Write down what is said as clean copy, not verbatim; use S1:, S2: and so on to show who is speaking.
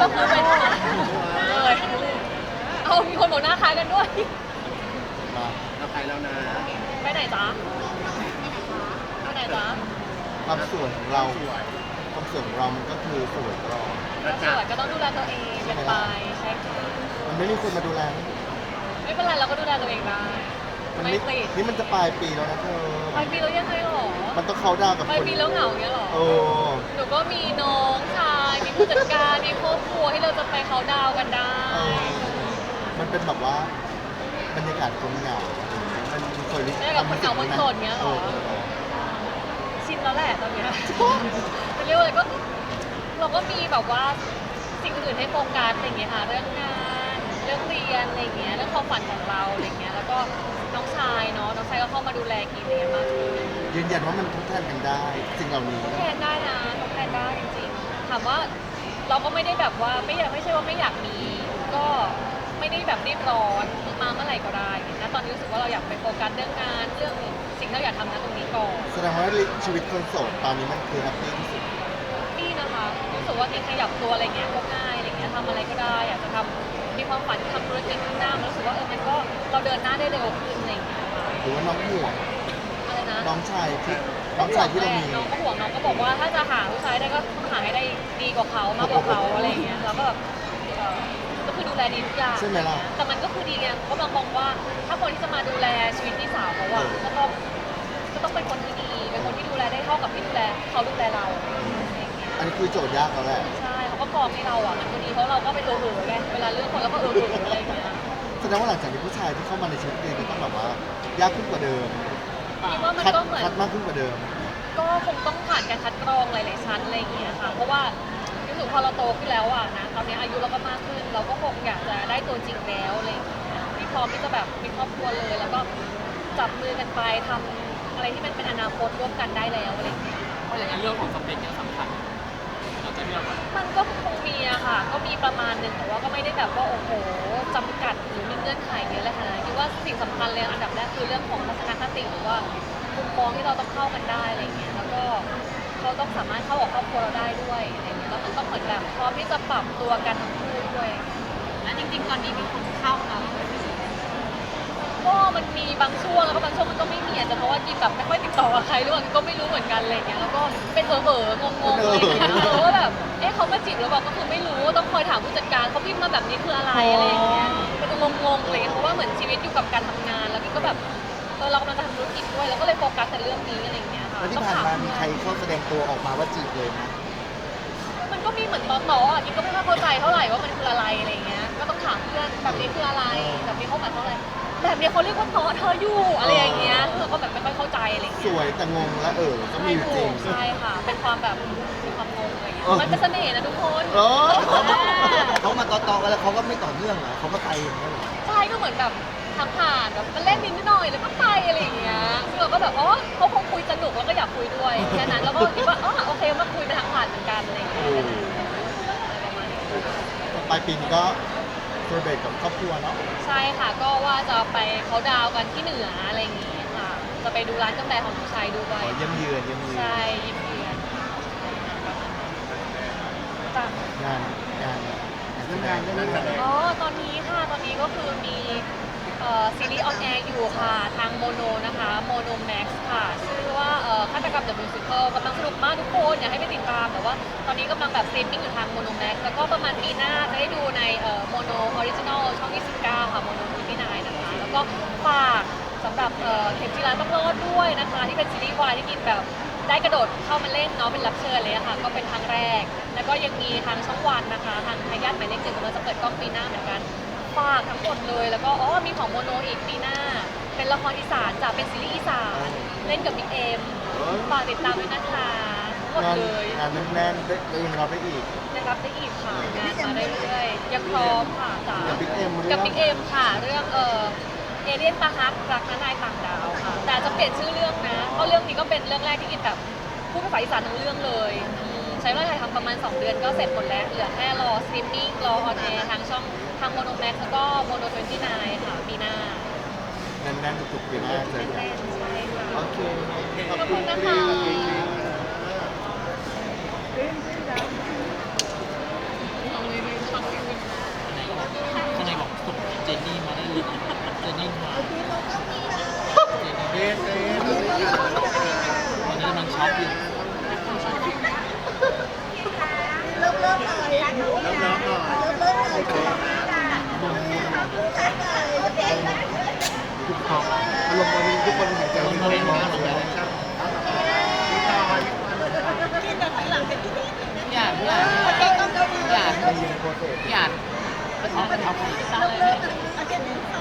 S1: ก็คือเป็นเลยเอามีคนบอกหน้าคล้ายกันด้วย
S2: มา
S3: เราไปแล้วนะ
S1: ไปไหนจ๊ะไปไหนจ๊ะ
S2: ความสวยของเราความสวยของเรามันก็คือสวยตลอด
S1: ก็สวยก็ต้องดูแลตัวเองเป็นไปใช่ค่ะ
S2: มันไม่มีคนมาดูแล
S1: ไม่เป็นไรเราก็ดูแลตัวเองได้
S2: มัน
S1: ไม่ติด
S2: นี่มันจะปลายปีแล้วนะเธอ
S1: ไปปีแล้วยังไงหรอ
S2: มันต้องเข้าดาวกับ
S1: ไป
S2: คน
S1: ปีแล้วเหงาอย่างเงี้ยหรอ
S2: โอ้
S1: หนูก็มีน้องชายมีผู้จัดการมีครอบครัวที่เราจะไปเขาดาวกันได้
S2: เออมันเป็นแบบว่าบรรยากาศคนเหงามันเคย
S1: ได้กับคนเหงาคนโสดเงี้ยหรอชินแล้วแหละตอนเนี้ยจะเรียกว่าอะไรก็เราก็มีแบบว่าสิ่งอื่นให้โฟกัสอะไรอย่างเงี้ยค่ะเรื่องงานเรื่องเรียนอะไรอย่างเงี้ยเรื่องความฝันของเราอะไรอย่างเงี้ยแล้วก็น้องชายเนาะน้องชายก็เข้ามาดูแลกินอะไรมากขึ้น
S2: ยืนยันว่ามันทดแทนกันได้ สิ่งเหล่านี้
S1: ทดแทนได้นะทดแทนได้จริงๆถามว่าเราก็ไม่ได้แบบว่าไม่ใช่ว่าไม่อยากมี ก็ไม่ได้แบบรีบร้อนมาเมื่อไหร่ก็ได้นะตอนนี้รู้สึกว่าเราอยากไปโฟกัสเรื่องงานเรื่องสิ่งที่เราอยากทำนะตรงนี้ก่อน
S2: แสดงว่าชีวิตคนโสดตอนนี้มันคือแฮปปี้ที่สุด
S1: นี่นะคะรู้สึกว่ากินขยับตัวอะไรเงี้ยก็ง่ายอะไรเงี้ยทำอะไรก็ได้อยากจะทำมีความฝันทำธุรกิจข้างหน้ามันรู้สึกว่ามันก็เราเดินหน้าได้เร็วขึ้นอะไรเงี้ย
S2: หรือว่าน้องห่วง
S1: อะไรนะ
S2: น้องชายที่น้องชายที่เรามี
S1: น้องก็ห่วงน้องก็บอกว่าถ้าจะหาผู้ชายได้ก็หาให้ได้ดีกว่าเขามากกว่าเขาอะไรเงี้ยแล้วก็แบบก็คือดูแลดีทุกอย่าง
S2: ใช่ไหมล่ะ
S1: แต่มันก็คือดีไงก็กำลังมองว่าถ้าคนที่จะมาดูแลชีวิตพี่สาวเขาอะก็ต้องเป็นคนที่ดีเป็นคนที่ดูแลได้เท่ากับที่ดูแลเขาดูแลเราอะไรอย่างเงี้ย
S2: อันนี้คือโจทย์ยากแล้วแหละ
S1: ใช่เขาก็กรองให้เราอ่ะมันก็ดีเพราะเราก็ไปไงเวลาเลือกคนเราก็อะไรอย่างเงี้ย
S2: แสดงว่าหลังจากนี้ผู้ชายที่เข้ามาในชีวิตเองก็ต้องแบบว่ายากขึ้นกว่าเดิม
S1: คิดว่ามัน
S2: คัด
S1: ก็เหมือน
S2: คัดมากขึ้นกว่าเดิม
S1: ก็คงต้องผ่านการคัดกรองหลายๆชั้นอะไรอย่างเงี้ยค่ะเพราะว่ารู้สึกพอเราโตขึ้นแล้วอ่ะนะตอนนี้อายุเราก็มากขึ้น เราก็คงอยากจะได้ตัวจริงแล้วอะไรอย่างเงี้ยที่พร้อมที่จะแบบมีครอบครัวเลย แล้วก็จับมือกันไปทำอะไรที่มันเป็นอนาคตร่วมกันได้แล้วอะไรอย่างเงี้ย
S3: เพราะอย่างนั้นเรื่องของสเปคยังสำคัญเราจะเลือกว่า
S1: มันก็คงมีอะค่ะ ก็มีประมาณหนึ่งแต่ว่าก็ไม่ได้แบบว่าโอ้โหจำกัดหรือมีเงื่อนไขเยอะเลยค่ะคิดว่าสิ่งสำคัญเลยอันดับแรกคือเรื่องของทัศนคติหรือว่ามุมมองที่เราต้องเข้ากันได้อะไรเงี้ยแล้วก็เขาต้องสามารถเข้ากับครอบครัวเราได้ด้วยอะไรเงี้ยแล้วมันต้องเหมือนแบบพร้อมที่จะปรับตัวกันทั้งคู่ด้วยแล้วจริงๆตอนนี้มีคนเข้าแล้วก็มันมีบางช่วงแล้วก็บางช่วงมันก็ไม่มีอาจจะเพราะว่ากินแบบไม่ค่อยติดต่อกับใครหรือเปล่าก็ไม่รู้เหมือนกันอะไรเงี้ยแล้วก็เป็นงงๆอะไรเงี้ยว่าแบบเขามาจีบหรือเปล่าก็คือไม่รู้ต้องคอยถามผู้จัดการเขาพิมพ์มาแบบนี้คืออะไรอะไรอย่างเงี้ยเป็นงงๆเลยเพราะว่าเหมือนชีวิตอยู่กับการทำงานแล้วก็แบบเรากำลังจะทำธุรกิจด้วยแล้วก็เลยโฟกัสแต่เรื่องนี้อะไรอย่างเงี้ยค่ะ
S2: แล้วที่ผ่านมามีใครเข้าแสดงตัวออกมาว่าจีบเลยนะ
S1: มันก็มีเหมือนต่อๆอ่ะกินก็ไม่ค่อยเข้าใจเท่าไหร่ว่ามันคืออะไรอะไรอย่างเงี้ยก็ต้องถามเพื่อนแบบนี้คืออะไรแบบนี้เขาหมายความว่าอะไรแบบนี้เขาเรียกว่าเธออยู่อะไรอย่างเงี้ยเราก็แบบไม่ค่อยเข้าใจอะไรอย่าง
S2: ส
S1: เงี้ย
S2: วยแต่งงและก็มีอยู่จริง
S1: ใช่ค่ะ เป็นความแบบมีความงงอะไรอย่างเงี้ยมันเป็นเสน่ห์นะทุกคน
S2: โอ้
S4: เขามาต่อๆกันแล้วเขาก็ไม่ต่อเนื่องเหรอเขาก็ไปอย่างนี้ยเหรอ
S1: ใช่ก็เหมือนแบบทางผ่านแบบมันเล่นนิดหน่อยแล้วก็ไปอะไรอย่างเงี้ยซึ่งเราก็แบบอ๋อเขาคงคุยสนุกแล้วก็อยากคุยด้วยแค่นั้นแล้วก็คิดว่าอ๋อโอเคมาคุยไปทางผ่านเหมือนกันอะไรอย่างเงี้ยอะไรประมาณนี้
S2: ปลายปีนี้ก็เซอร์เบตกับครอบครัวเนาะ
S1: ใช่ค่ะก็ว่าจะไปเขาดาวกันที่เหนืออะไรอย่างงี้ค่ะจะไปดูร้านกาแฟของน้องชายด้วย
S2: เยี่ยมเยือนเยี่ยมเยือน
S1: ใช่ยิมเยือนจ้ะ
S2: งานเรื่องงานเรื่องงาน
S1: อ๋อ ตอนนี้ค่ะ ตอนนี้ก็คือมีซีรีส์ออนแอร์อยู่ค่ะ ทางโมโนนะคะโมโนแม็กซ์ค่ะ ชื่อว่าฆาตกรรม The Musical กำลังสนุกมากทุกคน อยากให้ไปติดตาม แต่ว่าตอนนี้กำลังแบบสตรีมมิ่งอยู่ทางโมโนแม็กซ์แล้วก็ประมาณปีหน้าจะได้ดูในโมโนออริจินอลช่อง 29 ค่ะโมโน29นะคะ แล้วก็ฝากสำหรับเข็มจีราต้องรอดด้วยนะคะ ที่เป็นซีรีส์วายที่กินแบบได้กระโดดเข้ามาเล่นเนาะเป็นรับเชิญเลยอะค่ะ ก็เป็นครั้งแรก แล้วก็ยังมีทางช่องวันนะคะ ทางทายาทหมายเลข 1กำลังจะเปิดกล้องปีหน้าเหมือนกัน ฝากทั้งหมดเลยแล้วก็มีของโมโนอีกปีหน้า เป็นละครอีสานจะเป็นซีรีส์อีสานเล่นกับบิ๊กเอ็มฝากติดตามด้วยนะคะทั้งหมดเลย
S2: งานแน่นๆได้ยังรับได้อีก
S1: ได้รับได้อีกค่ะงานมาเรื่อยๆยังพร้อมค่ะจ๋า
S2: กับ Big M
S1: กับบิ๊กเอ็มค่ะเรื่องเอเลี่ยนตาฮักรักน้านายต่างดาวค่ะแต่จะเปลี่ยนชื่อเรื่องนะเพราะเรื่องนี้ก็เป็นเรื่องแรกที่กินแบบพูดภาษาอีสานทั้งเรื่องเลยใช้เวลาถ่ายทำประมาณ2 เดือนก็เสร็จหมดแล้วเหลือแค่รอสตรีมมิ่งรอออนแอร์ทางช่องทางโมโนแม็กซ์แล้วก็โมโน29ค่ะปีหน้า
S2: แน่นๆทุกๆปีหน้าเจอกัน
S1: แน่นๆใช่ค่ะ
S2: โอเค
S1: ขอบคุณนะคะ
S2: ครีม
S3: อปอยู่
S5: เริ่มเลยโอเค
S2: ทุกคนอารมณ์ตอนนี้ทุกคนหายใจไม่ค่อยออกเลย
S3: พี่อ่านพี่อ่านพี่อ่าน
S2: ในยูในโปรเซส
S3: พี่อ่านเป็นท้องเป็นท้อง
S1: สั่งเลย